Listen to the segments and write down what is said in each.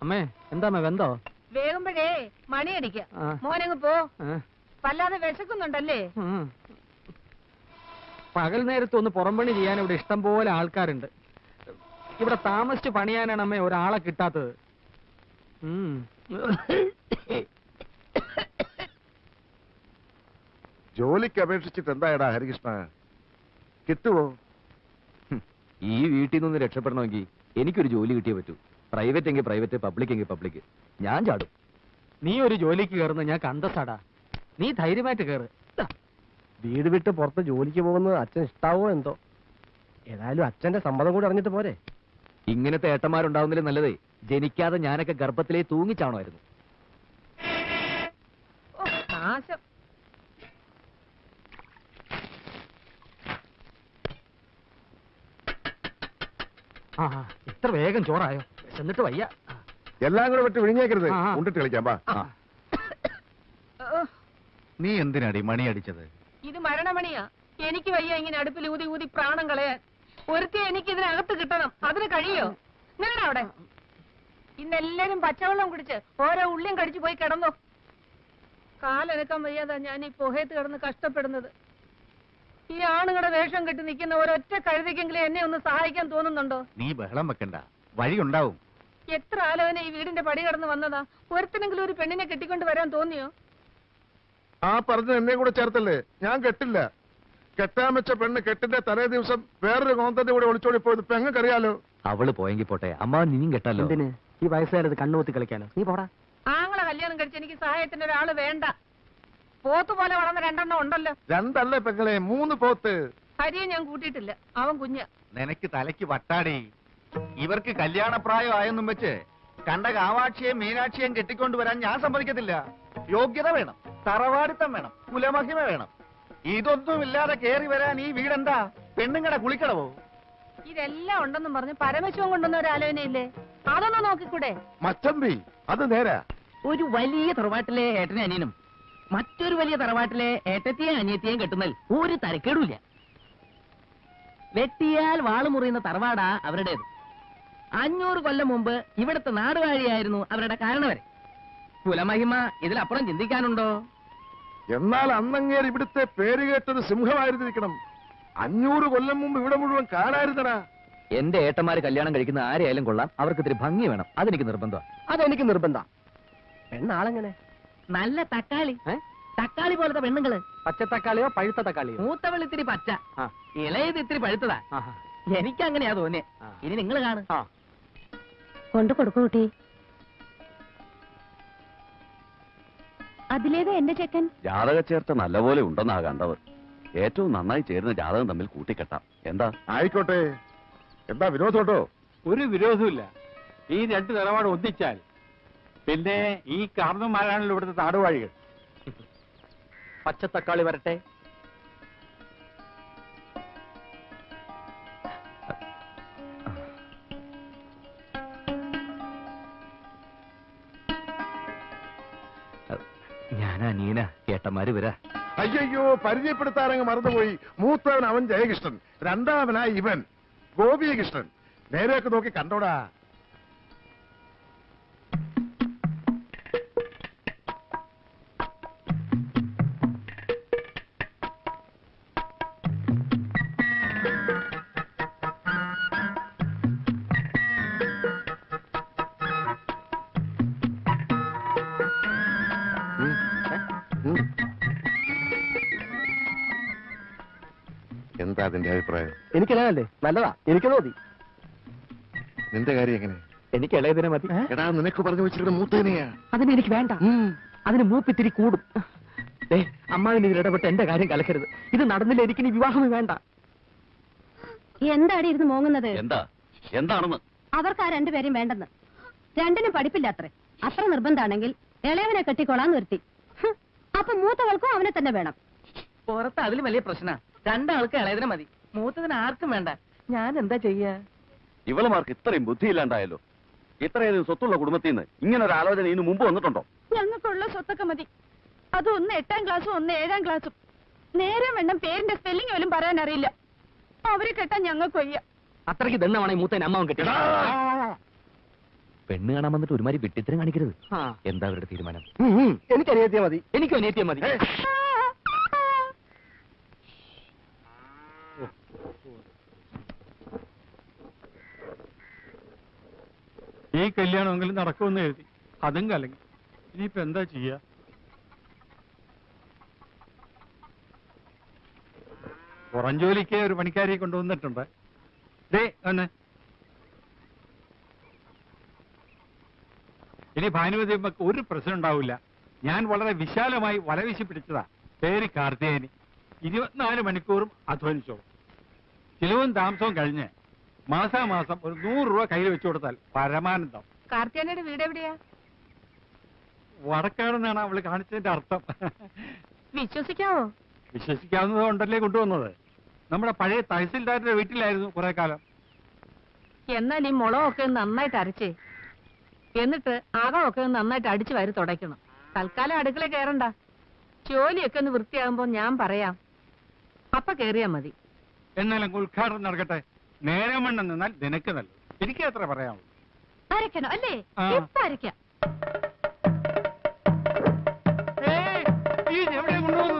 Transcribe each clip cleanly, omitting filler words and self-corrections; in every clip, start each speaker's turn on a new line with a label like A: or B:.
A: അമ്മേ എന്താ വെന്തോ?
B: വേഗമ്പഴേ മണിയടിക്ക. മോനങ്ങ് പോ. വല്ലാതെ വിശക്കുന്നുണ്ടല്ലേ?
A: പകൽ നേരത്ത് ഒന്ന് പുറംപണി ചെയ്യാൻ ഇവിടെ ഇഷ്ടം പോലെ ആൾക്കാരുണ്ട്. ഇവിടെ താമസിച്ച് പണിയാനാണ് അമ്മേ ഒരാളെ കിട്ടാത്തത്.
C: ജോലിക്ക് അപേക്ഷിച്ചിട്ട് എന്തായടാ ഹരികൃഷ്ണ, കിട്ടുവോ?
D: ഈ വീട്ടിൽ നിന്ന് രക്ഷപ്പെടണമെങ്കിൽ എനിക്കൊരു ജോലി കിട്ടിയേ പറ്റൂ. പ്രൈവറ്റ് എങ്കിൽ പ്രൈവറ്റ്, പബ്ലിക് എങ്കിൽ പബ്ലിക്. ഞാൻ ചാടും.
A: നീ ഒരു ജോലിക്ക് കയറുന്ന ഞാൻ കണ്ടസാടാ. നീ ധൈര്യമായിട്ട് കയറ്.
E: വീട് വിട്ട് പുറത്ത് ജോലിക്ക് പോകുന്നത് അച്ഛൻ ഇഷ്ടാവോ എന്തോ. ഏതായാലും അച്ഛന്റെ സമ്മതം കൂടി അറിഞ്ഞിട്ട് പോരെ.
D: ഇങ്ങനത്തെ ഏട്ടന്മാരുണ്ടാവുന്നതിലും നല്ലതേ ജനിക്കാതെ ഞാനൊക്കെ ഗർഭത്തിലേ തൂങ്ങിച്ചാണമായിരുന്നു.
A: ഇത്ര വേഗം ചോറായോ? എന്നിട്ട് വയ്യ.
C: എല്ലാം കൂടെ വിട്ട് വിഴിഞ്ഞേക്കരുത്. ഉണ്ടിട്ട് കളിക്കാം.
F: നീ എന്തിനാടി മണി അടിച്ചത്?
B: ഇത് മരണമണിയാ. എനിക്ക് വയ്യ ഇങ്ങനെ അടുപ്പിൽ ഊതി ഊതി പ്രാണം കളയാൻ. ഒരുത്തി എനിക്ക് ഇതിനകത്ത് കിട്ടണം. അതിന് കഴിയോ? നിങ്ങളുടെ അവിടെ ഇന്നെല്ലാരും പച്ചവെള്ളം കുടിച്ച് ഓരോ ഉള്ളിയും കടിച്ചു പോയി കിടന്നു. കാലനക്കാൻ വയ്യാതാ ഞാൻ ഈ പുഹയത്ത് കിടന്ന് കഷ്ടപ്പെടുന്നത്. ഈ ആണുങ്ങളുടെ വേഷം കെട്ടി നിൽക്കുന്ന ഒരൊറ്റ കഴുതിക്കെങ്കിലും എന്നെ ഒന്ന് സഹായിക്കാൻ തോന്നുന്നുണ്ടോ?
F: നീ ബഹളം വെക്കണ്ട, വഴിയുണ്ടാവും.
B: എത്ര ആലോചന ഈ വീടിന്റെ പടി കടന്ന് വന്നതാ. ഒരുത്തിനെങ്കിലും ഒരു പെണ്ണിനെ കെട്ടിക്കൊണ്ട് വരാൻ തോന്നിയോ?
C: ആ പറഞ്ഞ എന്നെ കൂടെ ചേർത്തല്ലേ. ഞാൻ കെട്ടില്ല. കെട്ടാൻ വെച്ച പെണ്ണ് കെട്ടിന്റെ തലേ ദിവസം വേറൊരു കോന്തന്റെ കൂടെ ഒളിച്ചോടി പോയത് പെങ്ങക്കറിയാലോ.
D: അവള് പോയെങ്കിൽ പോട്ടെ, അമ്മ നീയും കെട്ടാലോ.
A: എന്തിന് ഈ വയസ്സുകാരത് കണ്ണുകൂത്തി കളിക്കാനോ? നീ പോടാ.
B: ആങ്ങളെ കല്യാണം കഴിച്ച് എനിക്ക് സഹായത്തിന് ഒരാള് വേണ്ട. പോത്തുപോലെ വളർന്ന രണ്ടെണ്ണം ഉണ്ടല്ലോ.
C: രണ്ടല്ലേ പെങ്ങളെ, 3 പോത്ത്.
B: ഹരിയെ ഞാൻ കൂട്ടിയിട്ടില്ല, അവൻ കുഞ്ഞ.
F: നിനക്ക് തലയ്ക്ക് വട്ടാടി. ഇവർക്ക് കല്യാണപ്രായം ആയെന്നും വെച്ച് കണ്ട കാവാക്ഷിയെയും മീനാക്ഷിയെയും കെട്ടിക്കൊണ്ടുവരാൻ ഞാൻ സമ്മതിക്കത്തില്ല. യോഗ്യത വേണം, തറവാടിത്തം വേണം, കുലമഹിമ വേണം. ഇതൊന്നുമില്ലാതെ കേറി വരാൻ ഈ വീടെന്താ പെണ്ണുങ്ങടെ കുളിക്കടവോ?
B: ഇതെല്ലാം ഉണ്ടെന്നും പറഞ്ഞ് പരമശിവൻ കൊണ്ടുവന്ന ഒരു ആലോചനയില്ലേ? അതൊന്ന് നോക്കിക്കൂടെ?
C: മച്ചമ്പി അത് നേരാ.
G: ഒരു വലിയ തറവാട്ടിലെ ഏട്ടനെ അനിയനും മറ്റൊരു വലിയ തറവാട്ടിലെ ഏട്ടത്തെയും അനിയത്തെയും കെട്ടുന്നതിൽ ഒരു തരക്കേടുമില്ല. വെട്ടിയാൽ വാള് മുറിയുന്ന തറവാടാ അവരുടേത്. 500 കൊല്ലം മുമ്പ് ഇവിടുത്തെ നാടുവാഴിയായിരുന്നു അവരുടെ കാരണവരെ. കുലമഹിമ ഇതിലപ്പുറം ചിന്തിക്കാനുണ്ടോ?
C: എന്നാൽ അന്നങ്ങേർ ഇവിടുത്തെ പേര് കേട്ടത് സിംഹമായിരുന്നിരിക്കണം. 500 കൊല്ലം മുമ്പ് ഇവിടെ മുഴുവൻ കാണായിരുന്നടാ.
D: എന്റെ ഏട്ടന്മാര് കല്യാണം കഴിക്കുന്ന ആരെയായാലും കൊള്ളാം, അവർക്ക് ഇത്തിരി ഭംഗി വേണം. അതെനിക്ക് നിർബന്ധം.
E: അതെനിക്ക് നിർബന്ധം. പെണ്ണാളെങ്ങനെ?
G: നല്ല തക്കാളി, തക്കാളി പോലത്തെ പെണ്ണുങ്ങള്.
A: പച്ച തക്കാളിയോ പഴുത്ത തക്കാളിയോ?
G: മൂത്തവൾ ഇത്തിരി പച്ച, ഇളയത് ഇത്തിരി പഴുത്തതാ. എനിക്കങ്ങനെയാ തോന്നിയേ. ഇനി നിങ്ങൾ കാണും.
H: കൊണ്ടു കൊടുക്കൂ കുട്ടി. അതിലേതാ എന്റെ ചെക്കൻ?
D: ജാതക ചേർത്ത നല്ലപോലെ ഉണ്ടെന്നാ കണ്ടത്. ഏറ്റവും നന്നായി ചേരുന്ന ജാതകം തമ്മിൽ കൂട്ടിക്കെട്ടാം. എന്താ?
C: ആയിക്കോട്ടെ. എന്താ വിരോധോട്ടോ?
I: ഒരു വിരോധമില്ല. ഈ 2 നിലപാട് ഒന്നിച്ചാൽ പിന്നെ ഈ കാർന്നന്മാരാണല്ലോ ഇവിടുത്തെ നാടുവാഴികൾ.
A: പച്ചത്തക്കാളി വരട്ടെ.
D: ഞാനാ നീന, ഏട്ടന്മാര് വരാ.
C: അയ്യോ, പരിചയപ്പെടുത്താനങ്ങ് മറന്നുപോയി. മൂത്തവൻ അവൻ ജയകൃഷ്ണൻ, രണ്ടാമനായി ഇവൻ ഗോപികൃഷ്ണൻ. നേരെയൊക്കെ നോക്കി കണ്ടോടാ. എന്താ അതിന്റെ അഭിപ്രായം?
E: എനിക്കല്ലേ നല്ലതാ, എനിക്ക് തോന്നി.
C: നിന്റെ കാര്യം എങ്ങനെ?
A: എനിക്ക് ഇളയതിനെ മതി.
C: എടാ, നിനക്ക് പറഞ്ഞു വെച്ചിരിക്കുന്ന മൂത്തേനെയാ.
A: അതിനെനിക്ക് വേണ്ട. അതിന് മൂപ്പിത്തിരി കൂടും. അമ്മാവിന് ഇതിൽ ഇടപെട്ട് എന്റെ കാര്യം കലക്കരുത്. ഇത് നടന്നില്ല, എനിക്ക് ഇനി വിവാഹമേ വേണ്ട.
H: എന്താടി ഇരുന്ന് മോങ്ങുന്നത്?
D: എന്താണെന്ന്
H: അവർക്ക് ആ 2 പേരും വേണ്ടെന്ന്. 2നും പഠിപ്പില്ല അത്രേ. അത്ര നിർബന്ധാണെങ്കിൽ ഇളയവനെ കെട്ടിക്കൊള്ളാൻ നിർത്തി. അപ്പൊ മൂത്തവൾക്കും അവനെ തന്നെ വേണം.
G: പുറത്ത് അതിലും വലിയ പ്രശ്ന. 2 ആൾക്ക് ഇളയതിനെ മതി, മൂത്തതിന് ആർക്കും വേണ്ട. ഞാൻ എന്താ ചെയ്യാ?
D: ഇവളുമാർക്ക് ഇത്രയും ബുദ്ധിയില്ലാണ്ടായല്ലോ. ഇത്രയധികം സ്വത്തുള്ള കുടുംബത്തിൽ നിന്ന് ഇങ്ങനെ ഒരു ആലോചന ഇതിനു മുമ്പ് വന്നിട്ടുണ്ടോ?
H: ഞങ്ങൾക്കുള്ള സ്വത്തൊക്കെ മതി. അത് ഒന്ന് 8ാം ക്ലാസ്സും ഒന്ന് 7ാം ക്ലാസ്സും. നേരം വേണം പേരിന്റെ സ്പെല്ലിംഗ് പോലും പറയാൻ അറിയില്ല. അവരെ കെട്ടാൻ ഞങ്ങൾക്ക് വയ്യ.
A: അത്രയ്ക്ക് ദണ്ണമാണ് ഈ മൂത്തേനെ അമ്മാവൻ കെട്ടി.
D: പെണ്ണ് കാണാൻ വന്നിട്ട് ഒരുമാതിരി വിട്ടിത്തരം കാണിക്കരുത്.
A: ആ.
D: എന്താ അവരുടെ തീരുമാനം?
E: എനിക്ക് അനിയത്തിയാ മതി.
A: എനിക്കും അനിയത്തിയാ മതി.
I: ഈ കല്യാണമെങ്കിലും നടക്കുമെന്ന് എഴുതി, അതും കലങ്ങി. ഇനിയിപ്പോ എന്താ ചെയ്യാ? പുറം ജോലിക്ക് ഒരു പണിക്കാരിയെ കൊണ്ടുവന്നിട്ടുണ്ട്. ദേ ഒന്ന് ഇനി ഭാനുമതി അമ്മക്ക് ഒരു പ്രശ്നം ഉണ്ടാവില്ല. ഞാൻ വളരെ വിശാലമായി വലവീശി പിടിച്ചതാ. പേര് കാർത്തികേയനി. 24 മണിക്കൂറും അധ്വാനിച്ചോളും. ചിലവും താമസവും കഴിഞ്ഞ് മാസാമാസം ഒരു 100 രൂപ കയ്യിൽ വെച്ചു കൊടുത്താൽ പരമാനന്ദം.
B: കാർത്തിയാനയുടെ വീട് എവിടെയാ?
I: വടക്കാടെന്നാണ് അവള് കാണിച്ചതിന്റെ അർത്ഥം.
B: വിശ്വസിക്കാവോ?
I: വിശ്വസിക്കാവുന്നത് കൊണ്ടല്ലേ കൊണ്ടുവന്നത്. നമ്മുടെ പഴയ തഹസിൽദാരുടെ വീട്ടിലായിരുന്നു കുറെ കാലം.
B: എന്നാൽ ഈ മുളകൊക്കെ നന്നായിട്ട് അരച്ചേ, എന്നിട്ട് അകമൊക്കെ നന്നായിട്ട് അടിച്ചു വാരി തുടയ്ക്കണം. തൽക്കാലം അടുക്കള കയറണ്ട. ജോലിയൊക്കെ ഒന്ന് വൃത്തിയാകുമ്പോ ഞാൻ പറയാം, അപ്പൊ കേറിയാ മതി.
I: എന്നാലും ഉദ്ഘാടനം നടക്കട്ടെ. നേരം വണ്ണം നിന്നാൽ നിനക്ക് നല്ലത്. എനിക്ക് എത്ര പറയാമോ?
H: അരക്കണോ അല്ലേ?
I: ആ.
H: ഇപ്പൊ അരക്കാം.
I: ഏയ്, ഈ എവിടെ കൊണ്ടുപോകുന്നത്?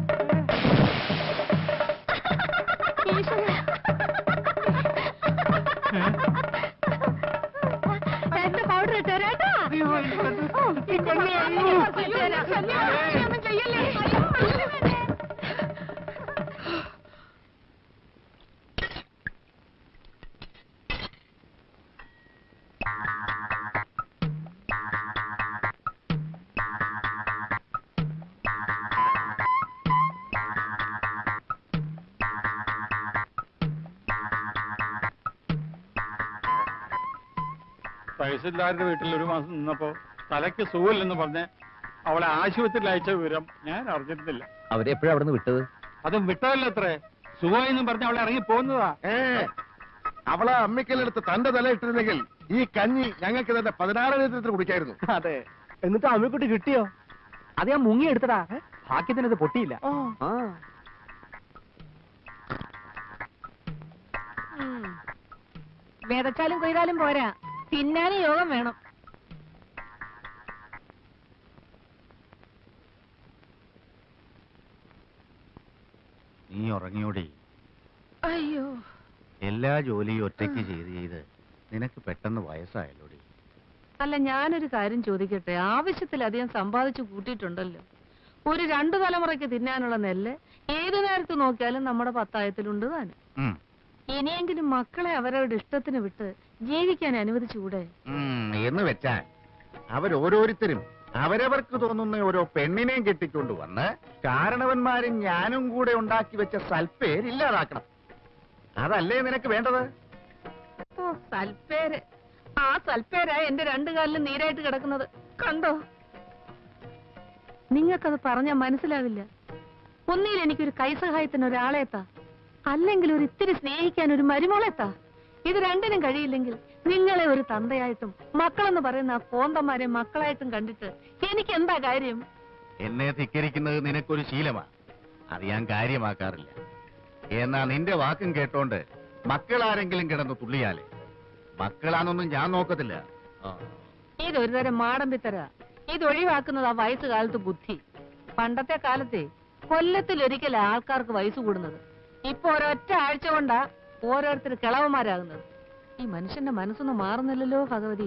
H: എന്റെ പൗഡർ ഇട്ടേരാട്ടോ.
I: അയ്യോ, ഈ പെണ്ണ്, അയ്യോ. തഹസിൽദാരുടെ വീട്ടിൽ ഒരു മാസം നിന്നപ്പോ തലയ്ക്ക് സുഖമില്ലെന്ന് പറഞ്ഞ് അവളെ ആശുപത്രിയിൽ അയച്ച വിവരം ഞാൻ അറിഞ്ഞിരുന്നില്ല.
D: അവരെപ്പോഴാ അവിടെ നിന്ന് വിട്ടത്?
I: അതും വിട്ടതല്ലത്രേ. സുഖമെന്നും പറഞ്ഞ് അവളെ ഇറങ്ങി പോകുന്നതാ.
C: അവളെ അമ്മിക്കലെടുത്ത് തന്റെ തല ഇട്ടിരുന്നെങ്കിൽ ഈ കഞ്ഞി ഞങ്ങൾക്ക് തന്നെ 16 ലിറ്റർ കുടിക്കായിരുന്നു.
E: അതെ. എന്നിട്ട് അമ്മിക്കുട്ടി കിട്ടിയോ?
A: അത് ഞാൻ മുങ്ങി എടുത്തടാ. ഭാഗ്യത്തിനത് പൊട്ടിയില്ല. ആ.
B: വിതച്ചാലും കൊയ്താലും പോരാ, തിന്നാനും യോഗം വേണം.
F: നീ ഉറങ്ങിയോടി?
B: അയ്യോ,
F: എല്ലാ ജോലിയും ഒറ്റയ്ക്ക് ചെയ്ത് നിനക്ക് പെട്ടെന്ന് വയസ്സായല്ലോടി.
B: അല്ല, ഞാനൊരു കാര്യം ചോദിക്കട്ടെ. ആവശ്യത്തിലധികം സമ്പാദിച്ചു കൂട്ടിയിട്ടുണ്ടല്ലോ. ഒരു 2 തലമുറയ്ക്ക് തിന്നാനുള്ള നെല്ല് ഏതു നേരത്ത് നോക്കിയാലും നമ്മുടെ പത്തായത്തിലുണ്ട് താനും. ഇനിയെങ്കിലും മക്കളെ അവരവരുടെ ഇഷ്ടത്തിന് വിട്ട് ജീവിക്കാൻ അനുവദിച്ചുകൂടെ?
F: എന്ന് വെച്ചാൽ അവരോരോരുത്തരും അവരവർക്ക് തോന്നുന്ന ഓരോ പെണ്ണിനെയും കെട്ടിക്കൊണ്ടുവന്ന് കാരണവന്മാരും ഞാനും കൂടെ ഉണ്ടാക്കി വെച്ച സൽപ്പേര് ഇല്ലാതാക്കണം. അതല്ലേ നിനക്ക് വേണ്ടത്?
B: ഓ, സൽപ്പേര്. ആ സൽപ്പേരാ എന്റെ 2 കാലിലും നീരായിട്ട് കിടക്കുന്നത്. കണ്ടോ? നിങ്ങൾക്കത് പറഞ്ഞാൽ മനസ്സിലാവില്ല. ഒന്നിൽ എനിക്കൊരു കൈസഹായത്തിന് ഒരാളെത്താ, അല്ലെങ്കിൽ ഒരു ഇത്തിരി സ്നേഹിക്കാൻ ഒരു മരുമോളെത്താ. ഇത് രണ്ടിനും കഴിയില്ലെങ്കിൽ നിങ്ങളെ ഒരു തന്തയായിട്ടും മക്കളെന്ന് പറയുന്ന ആ കോന്തന്മാരെ മക്കളായിട്ടും കണ്ടിട്ട് എനിക്ക് എന്താ കാര്യം?
F: എന്നെ ധിക്കരിക്കുന്നത് നിനക്കൊരു ശീലമാ. അത് ഞാൻ കാര്യമാക്കാറില്ല. എന്നാ നിന്റെ വാക്കും കേട്ടോണ്ട് മക്കളാരെങ്കിലും കിടന്ന് തുള്ളിയാലേ മക്കളാന്നൊന്നും ഞാൻ നോക്കത്തില്ല.
B: ഇതൊരു തരം മാടമ്പിത്തര. ഇതൊഴിവാക്കുന്നത് ആ വയസ്സുകാലത്ത് ബുദ്ധി. പണ്ടത്തെ കാലത്തെ കൊല്ലത്തിലൊരിക്കൽ ആൾക്കാർക്ക് വയസ്സ് കൂടുന്നത്. ഇപ്പൊ ഒരൊറ്റ ആഴ്ച കൊണ്ടാ ഓരോരുത്തർ കിളവന്മാരാകുന്നത്. ഈ മനുഷ്യന്റെ മനസ്സൊന്നും മാറുന്നില്ലല്ലോ ഭഗവതി.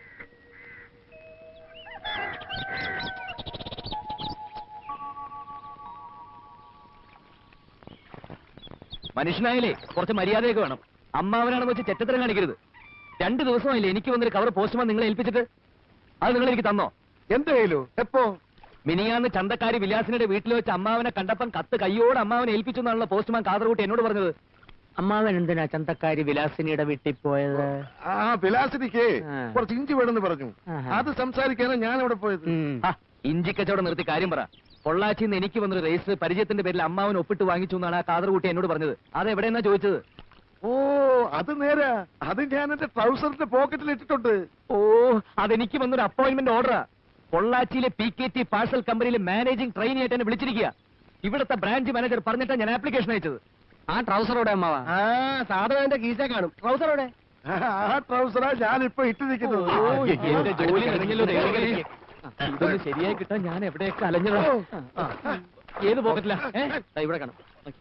D: മനുഷ്യനായാലേ കുറച്ച് മര്യാദയൊക്കെ വേണം. അമ്മാവനാണെന്ന് വെച്ച് ചെറ്റത്തരം കാണിക്കരുത്. 2 ദിവസമായില്ലേ എനിക്ക് വന്നൊരു കവർ പോസ്റ്റ്മാൻ നിങ്ങളെ ഏൽപ്പിച്ചിട്ട്? അത് നിങ്ങൾ എനിക്ക് തന്നോ?
C: എന്ത് കയ്യിലോ? എപ്പോ?
D: മിനിയാന്ന് ചന്തക്കാരി വിലാസിനുടെ വീട്ടിൽ വെച്ച് അമ്മാവനെ കണ്ടപ്പം കത്ത് കയ്യോട് അമ്മാവനെ ഏൽപ്പിച്ചു എന്നാണല്ലോ പോസ്റ്റ്മാൻ കാതർകൂട്ടി എന്നോട് പറഞ്ഞത്.
A: അമ്മാവൻ എന്തിനാ ചന്തക്കാരി വിലാസിനിയുടെ വീട്ടിൽ പോയത്?
C: ആ വിലാസിനിക്ക്
A: ആ.
C: കുറച്ച് ഇഞ്ചി വേണമെന്ന് പറഞ്ഞു.
A: ആഹാ.
C: അത് സംസാരിക്കാനാണ് ഞാൻ അവിടെ പോയത്.
D: ആ, ഇഞ്ചിക്കച്ചവടം നിർത്തി കാര്യം പറ. പൊള്ളാച്ചിന്ന് എനിക്ക് വന്നൊരു രജിസ്റ്റർ പരിചയത്തിന്റെ പേരിൽ അമ്മാവൻ ഒപ്പിട്ട് വാങ്ങിച്ചു എന്നാണ് ആ കാതർകൂട്ടി എന്നോട് പറഞ്ഞത്. അത് എവിടെയെന്നാ ചോദിച്ചത്?
C: ഓ, അത് നേരാ. അത് ഞാൻ എന്റെ ട്രൗസറിന്റെ പോക്കറ്റിൽ ഇട്ടിട്ടുണ്ട്.
D: ഓ, അതെനിക്ക് വന്നൊരു അപ്പോയിന്റ്മെന്റ് ഓർഡറാ. പൊള്ളാച്ചിയിലെ PKT പാഴ്സൽ കമ്പനിയിലെ മാനേജിംഗ് ട്രെയിനി ആയിട്ട് എന്നെ വിളിച്ചിരിക്കുക. ഇവിടുത്തെ ബ്രാഞ്ച് മാനേജർ പറഞ്ഞിട്ടാണ് ഞാൻ ആപ്ലിക്കേഷൻ അയച്ചത്.
A: ആ ട്രൗസറോടെ അമ്മാവാ?
E: ആ സാധനം എന്റെ കീശ കാണും. ട്രൗസറോടെ?
C: ആ ട്രൗസറാ ഞാനിപ്പോ ഇട്ടിരിക്കുന്നത്.
A: എന്റെ ജോലി കഴിഞ്ഞല്ലോ ദൈവമേ. ഇതൊന്ന് ശരിയായി കിട്ടാൻ ഞാൻ എവിടെയൊക്കെ അലഞ്ഞതാ. ഏത് പോക്കറ്റില്ല? ഇവിടെ കാണാം.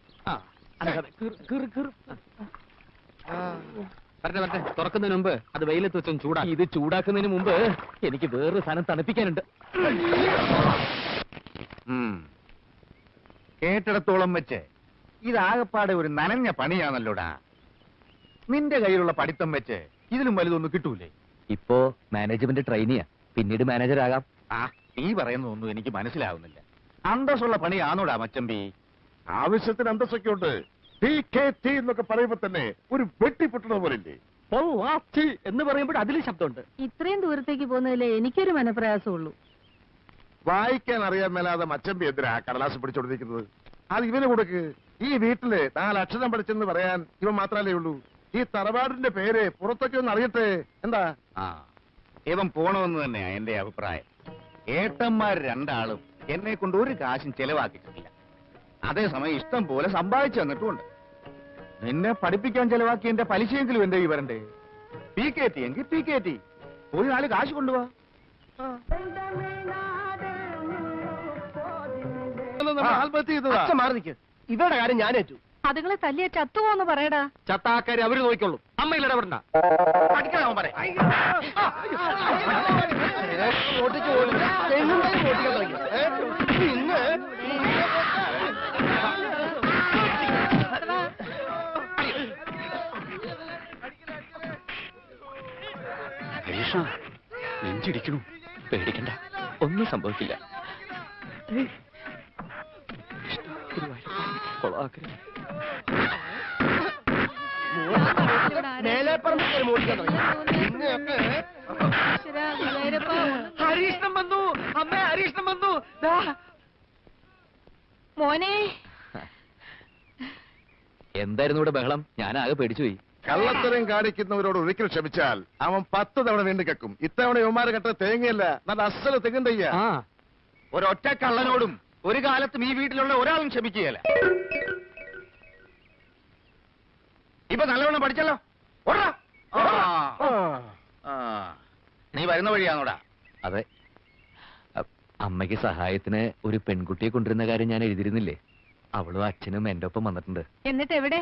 A: വരട്ടെ തുറക്കുന്നതിന് മുമ്പ് അത് വെയിലത്ത് വെച്ചും ചൂടാ. ഇത് ചൂടാക്കുന്നതിന് മുമ്പ് എനിക്ക് വേറൊരു സാധനം തണുപ്പിക്കാനുണ്ട്.
F: കേട്ടിടത്തോളം വെച്ച് ഇതാകപ്പാടെ ഒരു നനഞ്ഞ പണിയാണല്ലോടാ. നിന്റെ കയ്യിലുള്ള പഠിത്തം വെച്ച് ഇതിലും വലുതൊന്നും കിട്ടൂലേ?
D: ഇപ്പോ മാനേജ്മെന്റ് ട്രെയിനിയാ, പിന്നീട് മാനേജർ ആകാം.
F: ആ നീ പറയുന്നതൊന്നും എനിക്ക് മനസ്സിലാവുന്നില്ല. അന്തസ്സുള്ള പണിയാണോടാ മച്ചമ്പി?
C: ആവശ്യത്തിന് അന്തസ്സൊക്കെ ഉണ്ട്. TKT എന്നൊക്കെ പറയുമ്പോ തന്നെ ഒരു വെട്ടിപ്പൊട്ടുന്നത് പോലില്ലേ?
A: എന്ന് പറയുമ്പോൾ അതിലും ശബ്ദമുണ്ട്.
B: ഇത്രയും ദൂരത്തേക്ക് പോകുന്നതിലേ എനിക്കൊരു മനപ്രയാസമുള്ളൂ.
C: വായിക്കാൻ അറിയാൻ മേലാതെ മച്ചമ്പി എന്തിനാ കടലാസ് പിടിച്ചോണ്ടിരിക്കുന്നത്? അത് ഇവന് കൊടുക്ക്. ഈ വീട്ടില് 4 അക്ഷരം പഠിച്ചെന്ന് പറയാൻ ഇവൻ മാത്രല്ലേ ഉള്ളൂ. ഈ തറവാടിന്റെ പേര് പുറത്തൊക്കെ ഒന്ന് അറിയട്ടെ. എന്താ?
F: ആ ഇവൻ പോണമെന്ന് തന്നെയാ എന്റെ അഭിപ്രായം. ഏട്ടന്മാർ രണ്ടാളും എന്നെ കൊണ്ട് ഒരു കാശും ചെലവാക്കിയിട്ടില്ല. അതേസമയം ഇഷ്ടം പോലെ സമ്പാദിച്ചു തന്നിട്ടുമുണ്ട്. നിന്നെ പഠിപ്പിക്കാൻ ചെലവാക്കി എന്റെ പലിശയെങ്കിലും എന്റെ ഈ വരണ്ടേ? PKT എങ്കിൽ PKT ഒരു 4 കാശ് കൊണ്ടുപോവാ.
C: ആത്മഹത്യ ചെയ്തതാ.
E: അച്ഛൻ മാറി നിൽക്ക്. ഇവരുടെ കാര്യം ഞാൻ ഏറ്റു.
B: അതുങ്ങളെ തല്ലിയ ചത്തുപോന്ന് പറയടാ.
A: ചത്താക്കാരി അവര് നോക്കിക്കൊള്ളും. അമ്മയിൽ ഇടപെടണ്ട.
F: പഠിക്കണം പറയാം.
E: ഓട്ടിച്ചു പോലും തെങ്ങുമായി ഓട്ടിക്കാൻ തുടങ്ങി. ഇന്ന്
D: നെഞ്ചിടിക്കണു. പേടിക്കണ്ട, ഒന്നും സംഭവിക്കില്ല.
E: മേലേപ്പറമ്പ് കയറി ഓടിക്കാൻ തുടങ്ങി. ഇന്നൊക്കെ
A: ഹരീഷ്ണം വന്നു. അമ്മ ഹരീഷ്ണം വന്നു.
B: മോനെ
D: എന്തായിരുന്നു ഇവിടെ ബഹളം? ഞാനാകെ പേടിച്ചുപോയി.
C: കള്ളത്തരം കാണിക്കുന്നവരോട് ഒരിക്കൽ ക്ഷമിച്ചാൽ അവൻ 10 തവണ വീണ്ടും കെക്കും. ഇത്തവണ യുവമാരെ കെട്ട തേങ്ങയല്ല, നല്ല അസല തെങ്ങും തയ്യ.
F: ഒരൊറ്റ കള്ളനോടും ഒരു കാലത്തും ഈ വീട്ടിലുള്ള ഒരാളും ക്ഷമിക്കുകയല്ല. ഇപ്പൊ നല്ലവണ്ണം പഠിച്ചല്ലോ. ഓടാ. നീ വരുന്ന വഴിയാണോടാ?
D: അതെ, അമ്മയ്ക്ക് സഹായത്തിന് ഒരു പെൺകുട്ടിയെ കൊണ്ടുവരുന്ന കാര്യം ഞാൻ എഴുതിയിരുന്നില്ലേ? അവളും അച്ഛനും എന്റെ ഒപ്പം വന്നിട്ടുണ്ട്.
B: എന്നിട്ട് എവിടെ?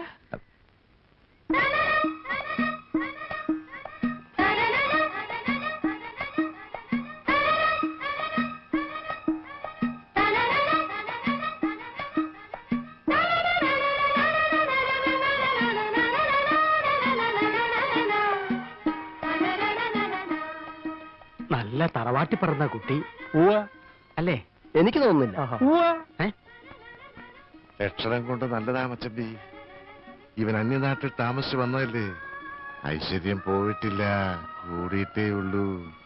A: നല്ല തറവാട്ടി പറഞ്ഞ കുട്ടി അല്ലേ?
E: എനിക്ക് തോന്നുന്നില്ല.
C: ലക്ഷണം കൊണ്ട് നല്ലതാ മച്ചമ്പി. ഇവൻ അന്യനാട്ടിൽ താമസിച്ചു വന്നതല്ലേ? ഐശ്വര്യം പോയിട്ടില്ല, കൂടിയിട്ടേ ഉള്ളൂ.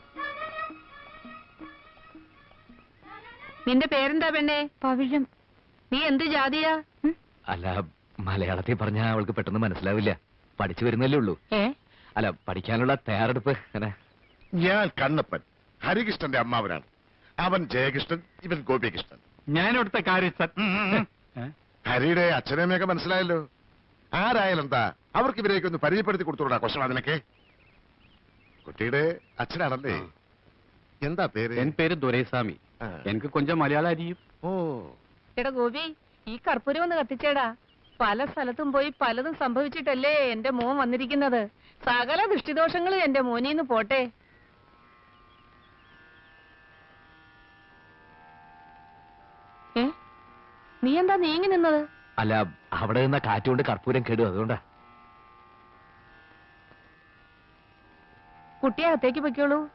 B: നിന്റെ പേരെന്താ പെണ്ണേ? പവിഴം. നീ എന്ത് ജാതിയാ?
D: അല്ല, മലയാളത്തിൽ പറഞ്ഞാൽ അവൾക്ക് പെട്ടെന്ന് മനസ്സിലാവില്ല. പഠിച്ചു വരുന്നല്ലേ ഉള്ളൂ. അല്ല, പഠിക്കാനുള്ള തയ്യാറെടുപ്പ്.
C: ഞാൻ കണ്ണപ്പൻ, ഹരികൃഷ്ണന്റെ അമ്മാവനാണ്. അവൻ ജയകൃഷ്ണൻ, ഇവൻ ഗോപികൃഷ്ണൻ.
I: ഞാനിവിടുത്തെ കാര്യം
C: ഹരിയുടെ അച്ഛനമ്മയൊക്കെ മനസ്സിലായല്ലോ. ആരായാലെന്താ, അവർക്ക് ഇവരെയൊക്കെ ഒന്ന് പരിചയപ്പെടുത്തി കൊടുത്തോടാ ക്വസ്റ്റൻ. അതിനൊക്കെ കുട്ടിയുടെ അച്ഛനാണല്ലേ? എന്താ പേര്?
I: എൻ പേര് ദുരൈസ്വാമി. എനിക്ക് കൊഞ്ചം മലയാളം അറിയും.
C: ഓ,
B: എടാ ഗോപി, ഈ കർപ്പൂരം ഒന്ന് കത്തിച്ചേടാ. പല സ്ഥലത്തും പോയി പലതും സംഭവിച്ചിട്ടല്ലേ എന്റെ മോൻ വന്നിരിക്കുന്നത്. സകല ദൃഷ്ടിദോഷങ്ങളും എന്റെ മോനീന്ന് പോട്ടെ. നീ എന്താ നീങ്ങി നിന്നത്?
D: അല്ല, അവിടെ നിന്ന കാറ്റുകൊണ്ട് കർപ്പൂരം കേടും, അതുകൊണ്ടാ.
B: കുട്ടിയെ അകത്തേക്ക് പൊയ്ക്കോളൂ.